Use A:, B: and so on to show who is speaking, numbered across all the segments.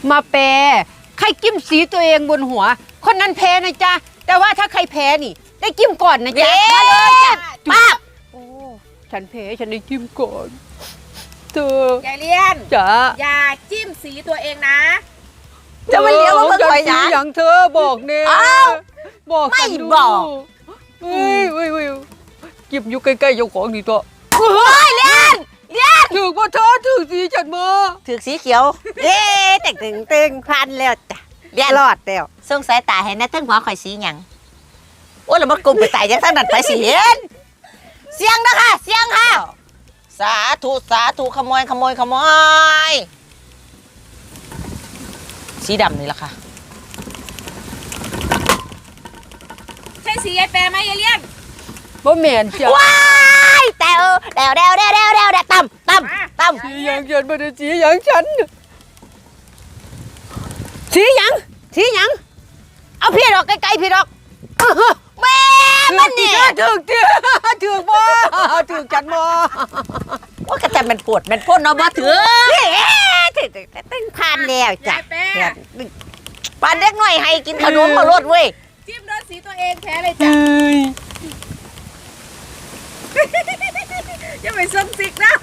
A: มาแปรใครจิ้มสีตัวเองบนหัวคนนั้นแพ้นะจ๊ะแต่ว่าถ้าใครแพ้นี่ได้จิ้มก่อนนะจ๊ะมาเลยจ้ะป้าบโอ้ฉันแพ้ฉันได้จิ้มก่อนเธอย
B: ายเลียน
A: จ๋า
B: อย่าจิ้มสีตัวเองนะ
C: จะมาเลี้ยวมาเบิ่งไว้นะ
A: อย่างเธอบอกเนี่ย
C: อ้าว
A: บอก
C: ไม่
A: ฉันดู
C: บอก
A: เฮ้ยจิ้มอยู่ใกล้ๆเจ้าของนี่ตัว
C: โอ้ยเลี้ยน
A: ถึงว่าเธอถึงสีฉันมา
C: ถือสีเขียวเอ๊ะแต่งตึงพันแล้วจ้ะเลี้ยนรอดแล้วส่งสายตาให้นะทั้งหัวข่อยสีหยังโอ้ยแล้วมันกลุ่มไปตายยังทั้งนั้นไปสิเห็นเสียงนะคะเสียงค่ะสาธุขโมยสีดำนี่ล่ะค่ะ
B: ใช่สียายแปรไหมยายเลียน
A: บ่แม่นจ้ะ
C: ว้ายแต่เดวตั้ม
A: สีอย่างฉันบ่ได้สีอย่างฉันสีหยังเอาพี่ดอกไกลๆพี่ดอก
C: แม่มันนี่
A: ถึงบ่ถึงฉันบ่
C: ว่ากระแต่มันปวดมันพ่นเนาะบ่ถือถึงตึงพันแล้วจ้ะ
B: ยายแปร
C: ปานเด็กหน่อยให้กินขนมมาลดเว้ย
B: จิ้มโดนสีตัวเองแพ้เลยจ้ะอย่าไปส้มสิกนะ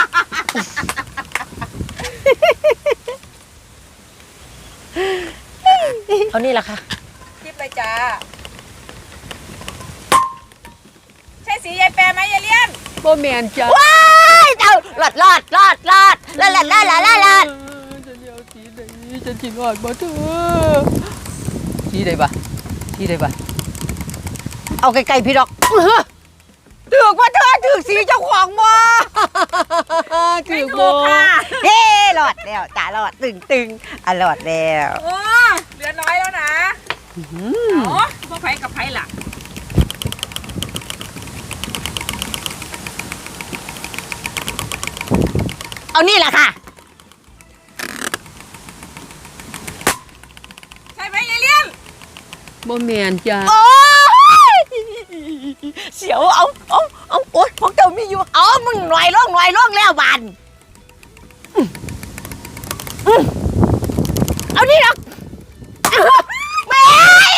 C: เอานี่ล่ะค่ะ
B: จิ้มเลยจ้าใช่สียายแปรไหมยายเลียน
A: บ่แม่นจ้ะ
C: ว้ายเอาลอดลา
A: ฉันเอาสีไหนฉันสิรอดบ่เธอสีใดบ่เอาไกลๆพี่ดอกถึกว่าเธอถึกสีเจ้าของบ่ถึกบ่
C: เฮ้รอดแล้วจ้ารอดตึงอ่ะรอดแล้ว
B: โอ้เหลือน้อยแล้วนะอ๋อพวกไผ่กับไผ่ล่ะ
C: เอานี่ล่ะค่ะ
B: ใช่ไหมยายเลียน
A: บ่แม่นจ้ะ
C: โอ้ยเสียวเอาโอ๊ยพวกเจ้ามีอยู่เอามึงหน่อยล่องแล้วบานเอานี่หรอกแม่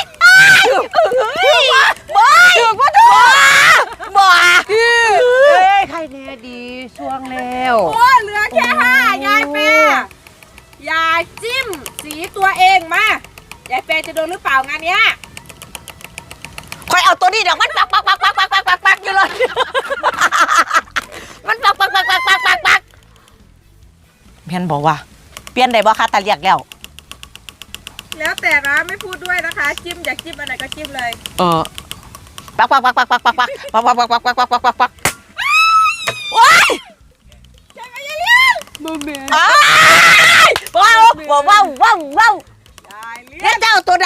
C: บ่
A: เอ้ยใครแน่ดีสวงแล้ว
B: โอ้เหลือแค่5ยายแปรอย่าจิ้มสีตัวเองมายายแปรจะโดนหรือเปล่างานเนี้ย
C: คอยเอาตัวนี้เดี๋ยวมันปักอยู่เลยมันปักเพี้ยนบอกว่าเปลี่ยนได้บ่คะตาเรียกแล้ว
B: แล้วแต่นะไม่พูดด้วยนะคะจิ้มอยากจิ้มอันไหนก็จิ้มเลย
C: ปักโอ้ย
B: ใช่ไหมยายเลียน
A: บ่แม่น
C: ว้าวย
B: ายเลีย
C: แล้ว
B: น
C: จะเอาตัวไหน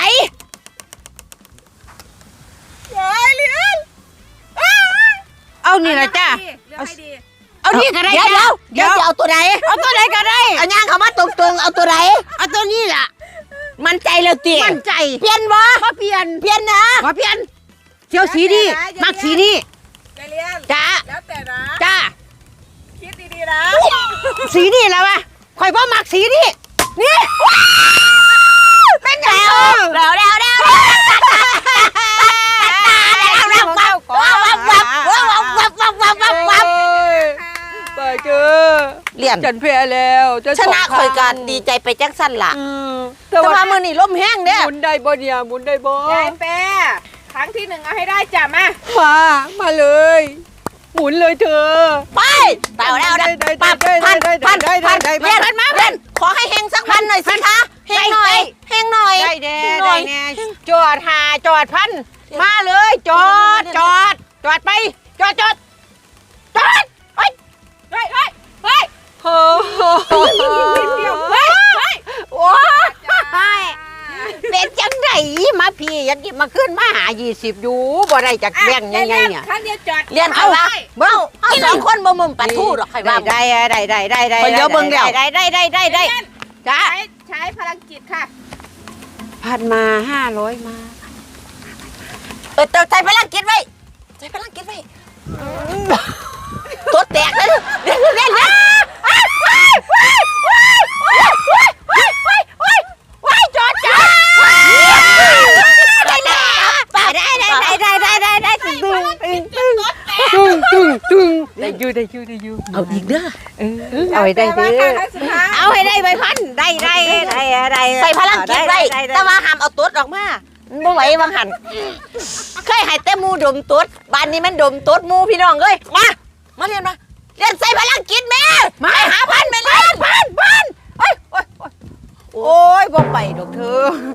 B: ยายเลียน
A: เอานี่ล่ะจ้ะ
B: เลือกให้ดี
A: เอานี่ก็ได้
C: เดี๋ยว
A: จ้ะ
C: จะเอาตัวไหน
A: เอาตัวไหนก็ได้
C: เอาย่างเขามาตรงๆเอาตัวไหน
A: เอาตัวนี้ล่ะ
C: มั่นใจแล้วตี
A: มั่นใจ
C: เปลี่ยนบ่
A: บ่เปลี่ยน
C: เปลี่ยนนะ
A: บ่เปลี่ยนเที่ยวสีนี้มักสีนี้
B: ยายเลียน
A: จ้า
B: แล้วแต่นะ
A: จ้า
B: คิดดีๆนะ
A: สีนี้แล้ววะข่อยบ่มักสีนี้นี่
C: เป็นไงแล้ว
A: ไปเจอ
C: เลี่ยน
A: ฉันแพ้แล้ว
C: ชนะคอยกันดีใจไปจังสั้นล่ะ
A: แต่
C: แต่
A: ว่า
C: ว่ามือนี่ล้มแห้งเด้
A: หมุนได้บ่เนี่ยหมุนได้บ่
B: ยายแปรครั้งที่1เอาให้ได้จ้ะมา
A: มาเลย หมุนเลยเธอ
C: ไปแล้วพันเล่นขอให้เฮงสักพันหน่อยสิคะเฮงหน่อย
A: ได้แน่จอดจอดพันมาเลยจอดไปจอด
B: เ
A: เฮ้
B: ฮ้ย
A: โอ้โห
B: เดี๋ยวเฮ้ย
A: โอ้ยเป็นจังไดมาพี่ยังกิบมาขึ้นมาหา20อยู่บ่ได้จากแบ่งยังไงเนี่ย
B: ครั้งเดียวจอด
C: เรียนเขาว่าเบ้าที่สองคนบ่มุมปัดทู่หรอกใครว่า
A: ได้จ้า
B: ใช้พลังจิตค่ะ
A: พันมา500มา
C: ใจพลังกิจไว้ตัวแตกเลยเล่น
A: ได้อยู่
C: เอาอีกเด้อ
A: เอาให้ได้
B: ยายแปร
A: เด้
B: มาค่ะครั้งสุดท้าย
A: เอาให้ได้ใบพันได้
C: ใส่พลังจิตไว้แต่ว่าห้ามเอาตุ๊ดออกมาบ่ไหวบางหันเคยให้แต่หมูดมตุ๊ดบ้านนี้มันดมตุ๊ดหมูพี่น้องเอ้ยมาเรียนมาเรียนใส่พลังจิตแม่มาหาพันไปเรียนพันโอ้ยบ่ไปดอกเธอ